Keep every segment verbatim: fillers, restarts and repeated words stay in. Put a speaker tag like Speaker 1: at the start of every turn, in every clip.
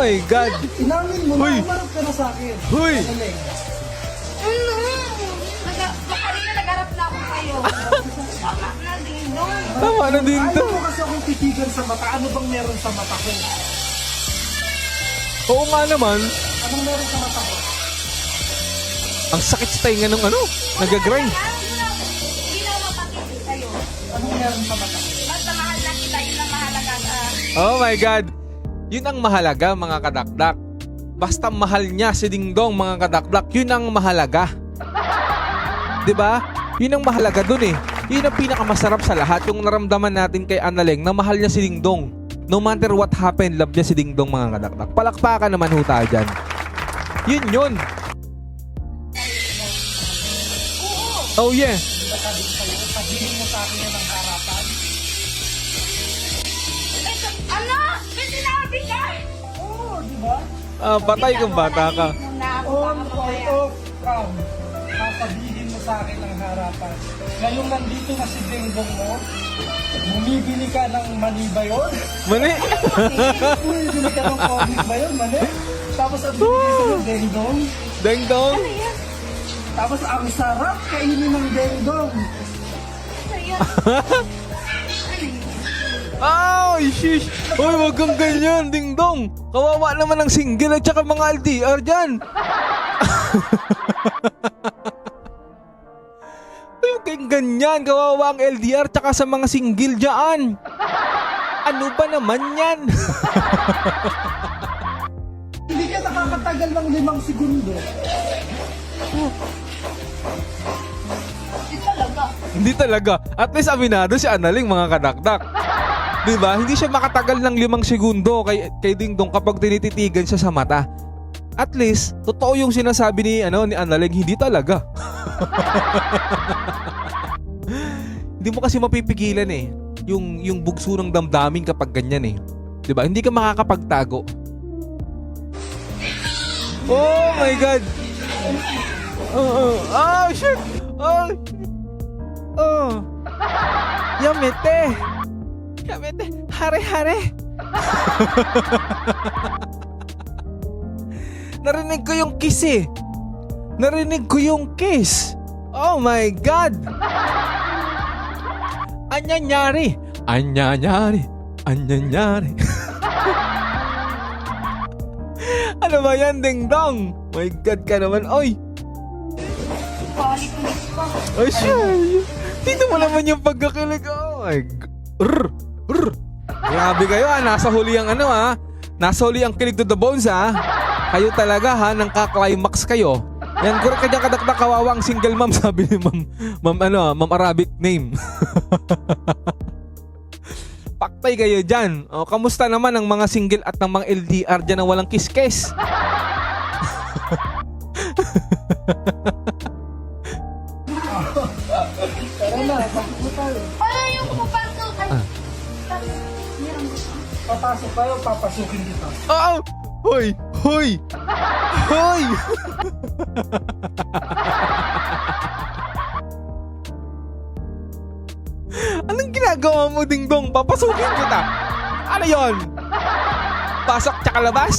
Speaker 1: my God.
Speaker 2: Inamin mo
Speaker 1: Huy.
Speaker 2: na, umarap ka na sa akin.
Speaker 1: Huy.
Speaker 2: Analeng.
Speaker 3: Ano? Naga- Kanina nagharap na ako kayo. Tama na din doon.
Speaker 1: Tama na din to.
Speaker 2: Ayaw mo kasi akong titigan sa mata. Ano bang meron sa mata ko?
Speaker 1: Oo nga naman.
Speaker 2: Anong meron sa mata ko?
Speaker 1: Ang sakit sa tainga ng ano, nagagrind.
Speaker 3: Hindi na mapakita sa'yo.
Speaker 2: Anong meron sa mata ko?
Speaker 3: Basta mahal na kita, yun ang mahalaga. Ah,
Speaker 1: Oh my God. Yun ang mahalaga, mga kadakdak. Basta mahal niya si Dingdong, mga kadakdak, yun ang mahalaga. 'Di ba? Yun ang mahalaga dun eh. Yun ang pinakamasarap sa lahat, yung naramdaman natin kay Analeng na mahal niya si Dingdong. No matter what happened, love niya si Dingdong, mga kadakdak. Palakpakan naman ho tayo dyan. Yun yun. Oh yeah.
Speaker 2: Diba sabi ko sa'yo, sabihin mo sa akin yan ng harapan?
Speaker 3: ano? May sinabi ka?
Speaker 2: Oo, di ba?
Speaker 1: Ah, patay kang bata ka.
Speaker 3: Muna ako,
Speaker 2: On
Speaker 3: baka
Speaker 2: or
Speaker 3: mamaya.
Speaker 2: off cam. Sasabihin mo sa akin ng harapan. Ngayong nandito na si Dingdong mo, bumibili ka ng mani ba yun?
Speaker 1: Mani.
Speaker 2: Bumibili ka ng comic ba yun, mani? Tapos ang bibigay sa'yo, Dingdong.
Speaker 1: Dingdong.
Speaker 3: Ano yan?
Speaker 2: Tapos ang sarap kainin ng Dingdong.
Speaker 3: Ano yan?
Speaker 1: Oh, shish! Uy, wag kang ganyan, Dingdong! Kawawa naman ang single at saka mga L D R dyan! Uy, wag kang ganyan! Kawawa ang L D R tsaka sa mga single dyan! Ano ba naman yan?
Speaker 2: Hindi ka nakakatagal ng limang segundo.
Speaker 3: Hindi talaga.
Speaker 1: Hindi talaga. At least aminado si Analing, mga kadakdak. Diba? Hindi siya makatagal ng limang segundo kay, kay Dingdong kapag tinititigan siya sa mata. At least, totoo yung sinasabi ni, ano, ni Analing, hindi talaga. Hindi mo kasi mapipigilan eh. Yung, yung bugso ng damdamin kapag ganyan eh. Diba? Hindi ka makakapagtago. Oh my God! Oh, oh, oh shit! Oh, oh. Yamete! Yamete! Hare-hare! Narinig ko yung kiss eh. Narinig ko yung kiss. Oh my God! Anyanyari! Anyanyari! Anyanyari! Ano ba yan, Dingdong? My God ka naman, oy!
Speaker 3: Balik-ulit pa.
Speaker 1: Ay, siya! Dito mo naman yung pagkakilig. Oh my God! Rrr! Rrr! Grabe kayo ah, nasa huli ang ano ah. Nasa huli ang kilig to the bones ah. Kayo talaga ha, nang ka-climax kayo. Yan, kung kanyang kadakdak kawawang single mom, sabi ni ma'am, ma'am ano, ma'am Arabic name. Paktay kayo dyan. O, kamusta naman ang mga single at ng mga L D R dyan na walang kiss-kiss?
Speaker 2: Tara na, pasok mo tayo.
Speaker 3: Ay, yung pumapasok. Ay,
Speaker 1: Ah.
Speaker 3: meron gusto.
Speaker 2: Papasok tayo, papasukin kita.
Speaker 1: Oh! Hoy! Hoy! Hoy! Anong ginagawa mo, Dingdong? Papasukin kita. Ano yon? Pasok tsaka labas?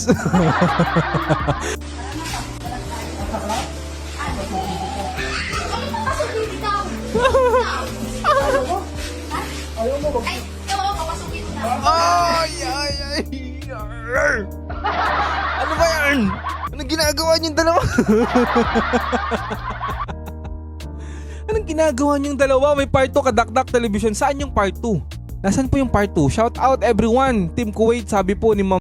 Speaker 3: Ano papasukin ikaw?
Speaker 2: Ayaw mo, wag
Speaker 3: Ay, oo, papasukin na.
Speaker 1: Ay! Ay! Ay! Arr! Ano ba yan? Anong ginagawa niyong dalawa? Anong ginagawa niyong dalawa? May part two Kadakdak Television. Saan yung part two? Nasaan po yung part two? Shout out everyone. Team Kuwait, sabi po ni Ma'am